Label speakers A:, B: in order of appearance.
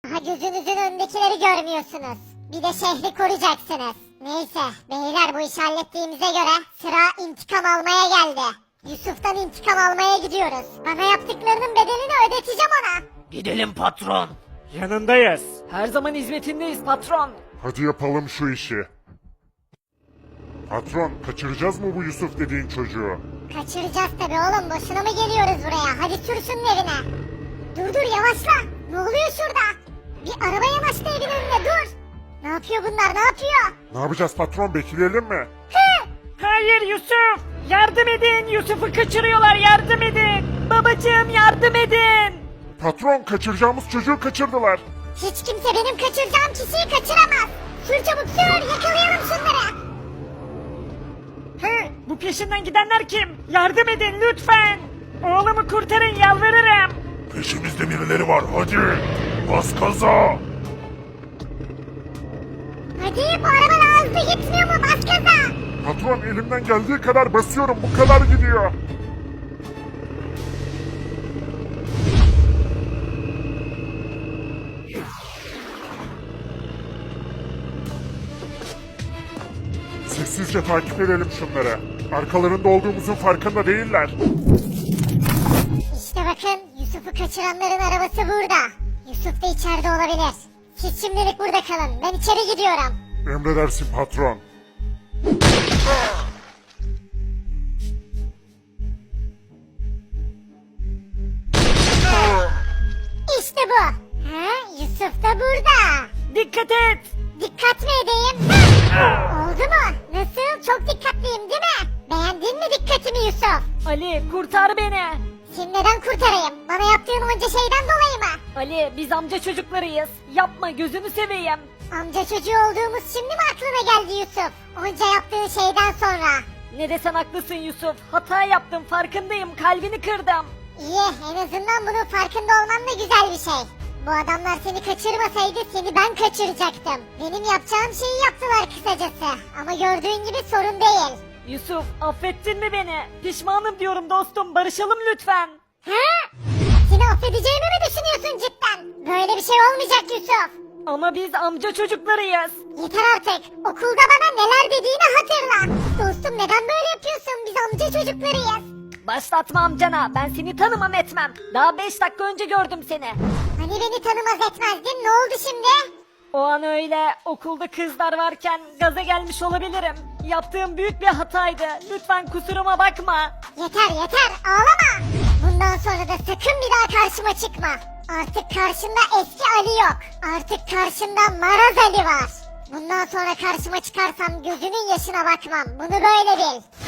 A: Daha gözünüzün önündekileri görmüyorsunuz. Bir de şehri koruyacaksınız. Neyse beyler, bu işi hallettiğimize göre sıra intikam almaya geldi. Yusuf'tan intikam almaya gidiyoruz. Bana yaptıklarının bedelini ödeteceğim ona.
B: Gidelim patron.
C: Yanındayız. Her zaman hizmetindeyiz patron.
D: Hadi yapalım şu işi. Patron, kaçıracağız mı bu Yusuf dediğin çocuğu?
A: Kaçıracağız tabii oğlum, boşuna mı geliyoruz buraya? Hadi sür şunun evine. Dur yavaşla. Ne oluyor şurada? Bir araba yanaştı evin önüne, dur. Ne yapıyor bunlar, ne yapıyor?
D: Ne yapacağız patron, bekleyelim mi?
C: Hayır Yusuf. Yardım edin. Yusuf'u kaçırıyorlar, yardım edin. Babacığım yardım edin.
D: Patron, kaçıracağımız çocuğu kaçırdılar.
A: Hiç kimse benim kaçıracağım kişiyi kaçıramaz. Sür çabuk sür, yakalayalım şunları.
C: He, bu peşinden gidenler kim? Yardım edin lütfen. Oğlumu kurtarın, yalvarırım.
D: Peşimizde birileri var, hadi. Bas gaza.
A: Hadi, bu araba daha hızlı gitmiyor mu? Bas gaza.
D: Patron, elimden geldiği kadar basıyorum, bu kadar gidiyor. Sessizce takip edelim şunları. Arkalarında olduğumuzun farkında değiller.
A: İşte bakın, Yusuf'u kaçıranların arabası burada. Yusuf da içeride olabilir. Siz şimdilik burada kalın, ben içeri gidiyorum.
D: Emredersin patron.
A: İşte bu. Ha, Yusuf da burada.
C: Dikkat et.
A: Dikkat mi edeyim? Oldu mu? Nasıl? Çok dikkatliyim değil mi? Beğendin mi dikkatimi Yusuf?
C: Ali kurtar beni.
A: Seni neden kurtarayım? Bana yaptığın onca şeyden dolayı mı?
C: Ali biz amca çocuklarıyız. Yapma gözünü seveyim.
A: Amca çocuğu olduğumuz şimdi mi aklına geldi Yusuf? Onca yaptığın şeyden sonra.
C: Ne desen haklısın Yusuf. Hata yaptım, farkındayım, kalbini kırdım.
A: İyi, en azından bunun farkında olman da güzel bir şey. Bu adamlar seni kaçırmasaydı seni ben kaçıracaktım. Benim yapacağım şeyi yaptılar kısacası. Ama gördüğün gibi sorun değil.
C: Yusuf affettin mi beni? Pişmanım diyorum dostum, barışalım lütfen.
A: Ha? Seni affedeceğimi mi düşünüyorsun cidden? Böyle bir şey olmayacak Yusuf.
C: Ama biz amca çocuklarıyız.
A: Yeter artık. Okulda bana neler dediğini hatırla. Dostum, neden böyle yapıyorsun? Biz amca çocuklarıyız.
C: Başlatma amcana, ben seni tanımam etmem. Daha 5 dakika önce gördüm seni.
A: Hani beni tanımaz etmezdin? Ne oldu şimdi?
C: O an öyle okulda kızlar varken gaza gelmiş olabilirim. Yaptığım büyük bir hataydı. Lütfen kusuruma bakma.
A: Yeter ağlama. Bundan sonra da sakın bir daha karşıma çıkma. Artık karşında eski Ali yok. Artık karşında Maraz Ali var. Bundan sonra karşıma çıkarsam gözünün yaşına bakmam. Bunu böyle bil.